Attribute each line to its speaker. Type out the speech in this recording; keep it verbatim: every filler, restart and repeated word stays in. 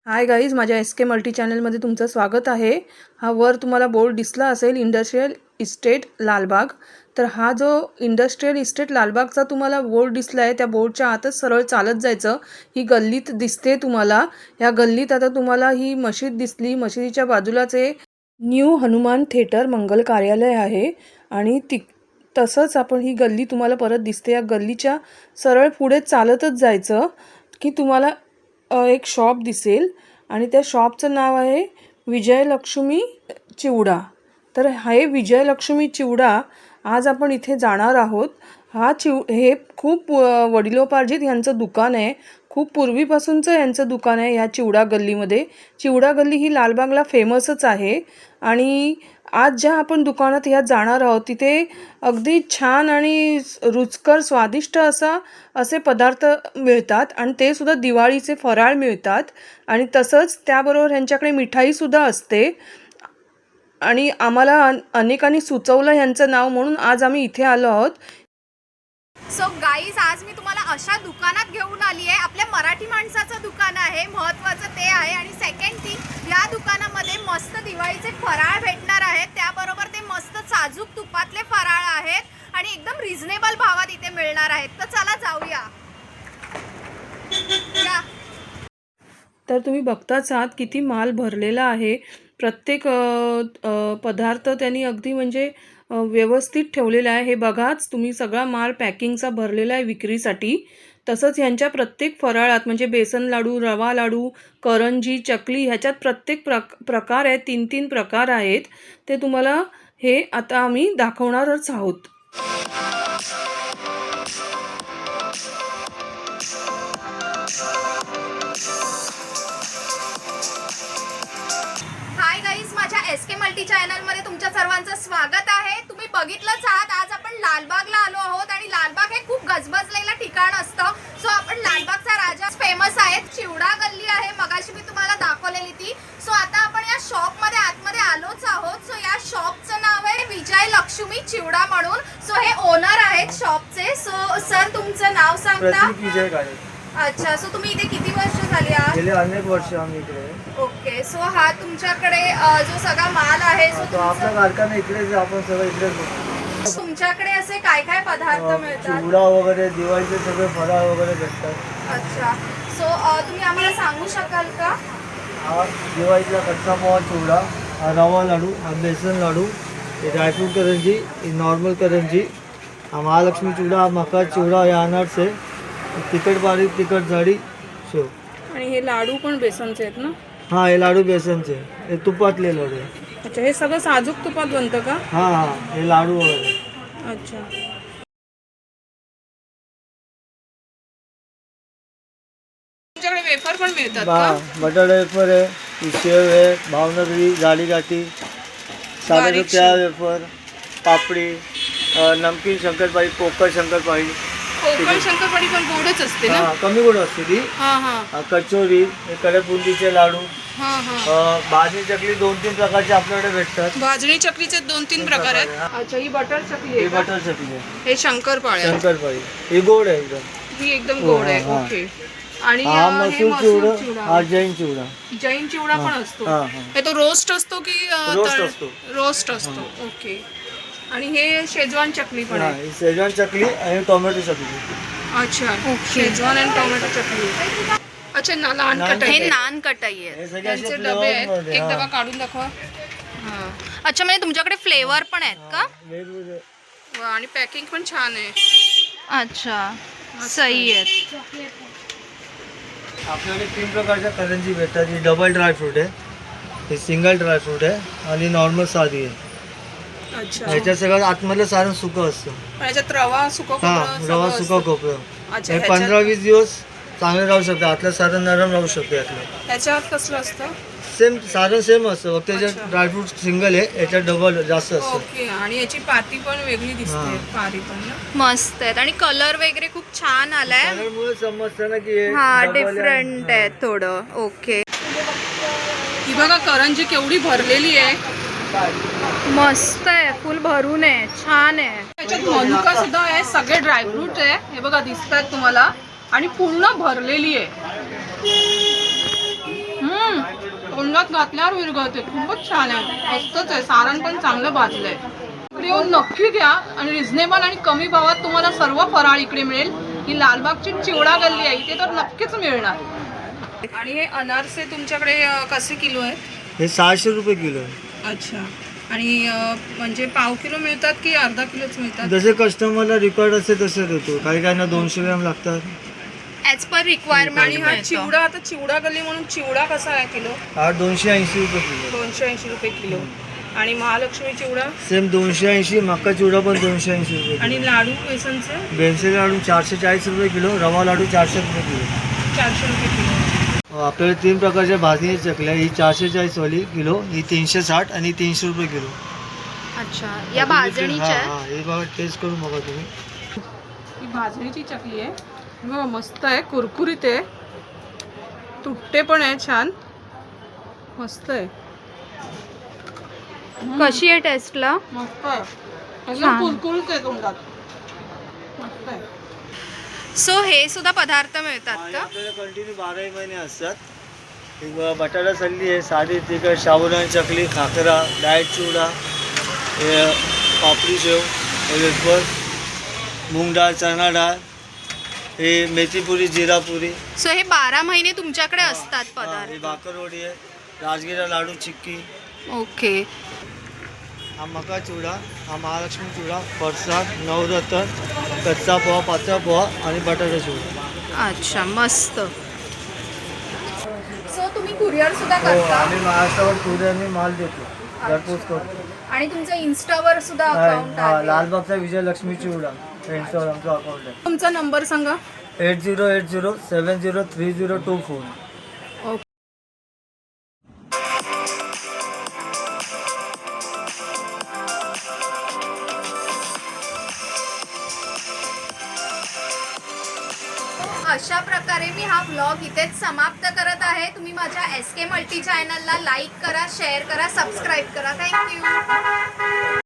Speaker 1: हाय guys, माझ्या S K multi चॅनलमध्ये तुमचं स्वागत आहे. हा वर तुम्हाला बोर्ड दिसला असेल इंडस्ट्रियल इस्टेट लालबाग. तर हा जो इंडस्ट्रियल इस्टेट लालबागचा तुम्हाला बोर्ड दिसला आहे, त्या बोर्डच्या आतच सरळ चालत जायचं. ही गल्लीत दिसते तुम्हाला. या गल्लीत आता तुम्हाला ही मशीद दिसली. मशिदीच्या बाजूलाच एक न्यू हनुमान थिएटर मंगल कार्यालय आहे आणि ती तसंच आपण ही गल्ली तुम्हाला परत दिसते. या गल्लीच्या सरळ पुढे चालतच जायचं की तुम्हाला एक शॉप दिसेल आणि त्या शॉपचं नाव आहे विजयलक्ष्मी चिवडा. तर हे विजयलक्ष्मी चिवडा आज आपण इथे जाणार आहोत. हा चिव हे खूप वडिलोपार्जित यांचं दुकान आहे. खूप पूर्वीपासूनचं यांचं दुकान आहे या चिवडा गल्लीमध्ये. चिवडा गल्ली ही लालबागला फेमसच आहे आणि आज ज्या आपण दुकानात ह्या जाणार आहोत तिथे अगदी छान आणि रुचकर स्वादिष्ट असा असे पदार्थ मिळतात आणि ते सुद्धा दिवाळीचे फराळ मिळतात आणि तसंच त्याबरोबर ह्यांच्याकडे मिठाईसुद्धा असते. आणि आम्हाला अनेकांनी सुचवलं ह्यांचं नाव म्हणून आज आम्ही इथे आलो आहोत.
Speaker 2: सो गाईज, आज मी तुम्हाला अशा दुकानात घेऊन आली आहे. आपल्या मराठी माणसाचं दुकान आहे, महत्त्वाचं ते आहे. आणि सेकंड थिंग, या दुकानामध्ये मस्त दिवाळीचे फराळ भेटणार आहेत. त्याबरोबर ते मस्त साजूक तुपातले फराळ आहेत आणि एकदम रिझनेबल भावात इथे मिळणार आहेत. तर चला जाऊया. या.
Speaker 1: तर तुम्ही बघताच आहात किती माल भरलेला आहे. प्रत्येक पदार्थ त्यांनी अगदी म्हणजे व्यवस्थित ठेवलेला आहे. हे बघाच तुम्ही, सगळा माल पॅकिंगचा भरलेला आहे विक्रीसाठी. तसंच ह्यांच्या प्रत्येक फराळात म्हणजे बेसन लाडू, रवा लाडू, करंजी, चकली ह्याच्यात प्रत्येक प्रक प्रकार आहेत. तीन तीन प्रकार आहेत. ते तुम्हाला हे आता आम्ही दाखवणारच आहोत.
Speaker 2: हाय गाईज, माझ्या एस के मल्टी चॅनलमध्ये तुमच्या सर्वांचं स्वागत आहे. तुम्ही बघितलंच आहात, आज आपण लालबागला आलो आहोत आणि लालबाग हे खूप गजबजलेलं ठिकाण असतं. सो आपण लालबागचा राजा फेमस आहे. चिवडा गल्ली आहे, मगाशी मी तुम्हाला दाखवलेली ती. सो आता आपण या शॉपमध्ये आतमध्ये आलोच आहोत. सो या शॉपचं नाव आहे विजयलक्ष्मी चिवडा म्हणून. सो हे ओनर आहेत शॉपचे. सो सर, तुमचं नाव सांगता? अच्छा. सो तुम्ही इथे किती वर्ष झाली आहात?
Speaker 3: गेले अनेक वर्ष आम्ही इकडे.
Speaker 2: ओके. सो हा तुमच्याकडे जो सगळा माल आहे, सो
Speaker 3: तो आपला कारखाना इकडेच, आपण सगळं इकडेच.
Speaker 2: तुमच्याकडे असे काय काय पदार्थ मिळतात?
Speaker 3: चिवडा वगैरे, दिवाळीचे सगळे फराळ वगैरे भेटतात.
Speaker 2: अच्छा. सो तुम्ही आम्हाला सांगू शकाल का?
Speaker 3: हा दिवाळीचा कच्चा पोहा चिवडा, हा रवा लाडू, हा बेसन लाडू, हे ड्रायफ्रूट करंजी, ही नॉर्मल करंजी, हा महालक्ष्मी चिवडा, हा मका चिवडा, हे अनारस आहे, तिखट बारीक, तिखट जाडी, शेव.
Speaker 1: आणि हे लाडू पण बेसनचे आहेत ना?
Speaker 3: हा, हे लाडू बेसनचे, हे तुपातले लाडू.
Speaker 1: अच्छा, हे सगळं साजूक तुपात बनतं का?
Speaker 3: हा हा, हे लाडू वगैरे.
Speaker 1: अच्छा. तुमच्याकडे वेफर पण मिळतात का?
Speaker 3: बटाटा वेफर आहे, ही शेव आहे, भावनगरी, जाडी गाठी, साधे त्या वेफर, पापडी, नमकीन शंकरपाळी, पोकळ शंकरपाळी.
Speaker 1: कोकण शंकरपाळी पण गोडच असते ना?
Speaker 3: हा, कमी गोड असते ती.
Speaker 1: हा हा.
Speaker 3: कचोरी, कडक बुंदीचे लाडू,
Speaker 1: हा हा.
Speaker 3: भाजी चकली, दोन तीन प्रकारचे आपल्याकडे भेटतात.
Speaker 1: भाजणी चकलीचे दोन तीन प्रकार आहेत. अच्छा, ही बटर चकली
Speaker 3: ही
Speaker 1: आहे का?
Speaker 3: बटर चकली आहे.
Speaker 1: हे शंकरपाळी आहे.
Speaker 3: शंकरपाळी ही गोड आहे एकदम.
Speaker 1: ही एकदम गोड आहे.
Speaker 3: हा, हा.
Speaker 1: ओके. आणि
Speaker 3: हा
Speaker 1: अ, हे
Speaker 3: मसूर
Speaker 1: मसूर
Speaker 3: चिवडा,
Speaker 1: चिवडा.
Speaker 3: हा जैन चिवडा.
Speaker 1: जैन चिवडा पण असतो.
Speaker 3: हा, हा.
Speaker 1: हे तो रोस्ट असतो की अ,
Speaker 3: रोस्ट
Speaker 1: तळ-
Speaker 3: असतो.
Speaker 1: रोस्ट असतो. ओके. आणि हे शेजवान चकली पण
Speaker 3: हा,
Speaker 1: आहे.
Speaker 3: ही शेजवान चकली आणि टोमॅटो चकली.
Speaker 1: अच्छा, शेजवान आणि टोमॅटो चकली. अच्छा, ना लहान
Speaker 3: नान
Speaker 1: कटाई.
Speaker 2: हे नान कटाई आहे.
Speaker 3: हे सगळे असे
Speaker 1: त्यांचे डबे आहेत.
Speaker 3: फ्लेवरमध्ये,
Speaker 1: एक
Speaker 3: हा.
Speaker 1: डबा काढून दाखवा. हा.
Speaker 2: अच्छा, म्हणजे तुमच्याकडे फ्लेवर पण आहेत का?
Speaker 3: वेगवेगळे.
Speaker 1: वा, आणि पॅकिंग पण छान आहे.
Speaker 2: अच्छा, सही आहेत.
Speaker 3: आपल्याकडे तीन प्रकारच्या करंजी भेटतात. ही डबल ड्रायफ्रूट आहे, ही सिंगल ड्रायफ्रूट आहे आणि नॉर्मल साधी आहे.
Speaker 1: अच्छा.
Speaker 3: ह्याच्यात सगळं आतमधलं सारण सुकं असतं.
Speaker 1: पण याच्यात रवा सुका
Speaker 3: हा,
Speaker 1: खोबरं
Speaker 3: रवा
Speaker 1: सगळं
Speaker 3: सुका
Speaker 1: असतं.
Speaker 3: खोबरं.
Speaker 1: अच्छा,
Speaker 3: हे
Speaker 1: ह्याच्यात-
Speaker 3: पंधरा वीस दिवस चांगले राहू शकतं. आतलं सारण नरम राहू शकतं. यातलं
Speaker 1: ह्याच्यात कसलं असतं?
Speaker 3: सेम सारण सेम असतं, फक्त
Speaker 1: अच्छा.
Speaker 3: त्याच्यात ड्रायफ्रूट सिंगल आहे, याच्यात डबल जास्त असतं.
Speaker 1: ओके. आणि याची पाती पण वेगळी दिसते.
Speaker 3: हा.
Speaker 1: पारी पण ना?
Speaker 2: मस्त आहेत आणि कलर वगैरे खूप छान आलाय.
Speaker 3: सारणमुळे समजतं ना की हे
Speaker 2: हा,
Speaker 3: double आहे.
Speaker 2: डिफरंट आहे थोडं. ओके.
Speaker 1: ही बघा करंजी केवढी भरलेली आहे.
Speaker 2: मस्त आहे, फुल भरून आहे, छान आहे.
Speaker 1: त्याच्यात मनुका सुद्धा आहे, सगळे ड्रायफ्रूट आहे. हे बघा दिसतात तुम्हाला आणि पूर्ण भरलेली आहे. हम्म. तोंडात घातल्यावर विरघळते. खूपच छान आहे, मस्तच आहे. सारण पण चांगलं भाजलंय. इकडे येऊन नक्की घ्या आणि रिझनेबल आणि कमी भावात तुम्हाला सर्व फराळ इकडे मिळेल. ही लालबागची चिवडा गल्ली आहे, इथे तर नक्कीच मिळणार. आणि हे अनारसे तुमच्याकडे अ, कसे किलो आहेत?
Speaker 3: हे सहाशे रुपये किलो आहे.
Speaker 1: अच्छा. आणि अ, म्हणजे पाव किलो मिळतात की अर्धा किलोच मिळतात?
Speaker 3: जसे कस्टमरला रिक्वायर्ड असते तसे देतो. काही काहींना दोनशे ग्रॅम लागतात.
Speaker 2: ॲज पर
Speaker 1: आणि
Speaker 2: रिक्वायरमेंट
Speaker 1: हा चिवडा, आता चिवडा गल्ली म्हणून चिवडा कसा आहे किलो?
Speaker 3: हा दोनशे ऐंशी रुपये किलो.
Speaker 1: दोनशे ऐंशी रुपये किलो. आणि महालक्ष्मी चिवडा
Speaker 3: सेम दोनशे ऐंशी. मका चिवडा पण दोनशे ऐंशी रुपये
Speaker 1: आणि
Speaker 3: किलो.
Speaker 1: लाडू बेसनचे
Speaker 3: बेनसे लाडू चारशे चाळीस रुपये किलो. रवा लाडू चारशे रुपये किलो.
Speaker 1: चारशे रुपये किलो.
Speaker 3: आपल्याकडे तीन प्रकारच्या भाजणीच्या चकल्या. ही चारशे चाळीस वाली किलो, ही तीनशे साठ आणि तीनशे रुपये किलो.
Speaker 2: अच्छा, या भाजणीच्या
Speaker 3: हा,
Speaker 2: आहेत?
Speaker 3: हा, हे बघा टेस्ट करून बघा तुम्ही.
Speaker 1: ही भाजणीची चकली आहे. बघा मस्त आहे, कुरकुरीत आहे, तुटते पण आहे छान, मस्त आहे.
Speaker 2: कशी आहे टेस्टला?
Speaker 1: मस्त आहे, एकदम
Speaker 2: छान.
Speaker 1: कुरकुरीत आहे तोंडात, मस्त आहे.
Speaker 2: सो हे सुद्धा पदार्थ मिळतात
Speaker 3: आणि
Speaker 2: का?
Speaker 3: आपल्याला कंटिन्यू बाराही महिने असतात. हे बघा, बटाटा सल्ली आहे, साधी तिखट साबुदाणा चकली, खाकरा, डाएट चिवडा, हे पापडी शेव, हे वेफर, मूग डाळ, चणा डाळ, हे मेथीपुरी, जिरापुरी,
Speaker 2: सो हे बारा महिने तुमच्याकडे असतात
Speaker 3: हा, हे
Speaker 2: पदार्थ.
Speaker 3: भाकरवडी आहे, राजगिरा लाडू, चिक्की,
Speaker 2: ओके.
Speaker 3: हा मका चिवडा, हा महालक्ष्मी चिवडा, फरसाण, नवरत्न, कच्चा पोहा, पातळ पोहा आणि बटाटा चिवडा.
Speaker 2: अच्छा, मस्त. सो तुम्ही कुरिअर सुद्धा
Speaker 3: हो,
Speaker 2: करता
Speaker 3: आम्ही महाराष्ट्रावर कुरिअरने माल देतो, घरपोच करतो.
Speaker 2: आणि तुमचं इन्स्टावर सुद्धा
Speaker 3: हा,
Speaker 2: अकाउंट
Speaker 3: हा,
Speaker 2: आहे.
Speaker 3: लालबागचा विजयलक्ष्मी चिवडा इंस्टावर आमचं अकाउंट आहे.
Speaker 1: तुमचा नंबर सांगा.
Speaker 3: Eight zero eight zero seven zero three zero two four.
Speaker 2: अशा प्रकारे मी हा व्लॉग इथेच समाप्त करत आहे. तुम्ही माझ्या एस के मल्टी चॅनलला लाईक करा, शेअर करा, सबस्क्राईब करा. थँक्यू.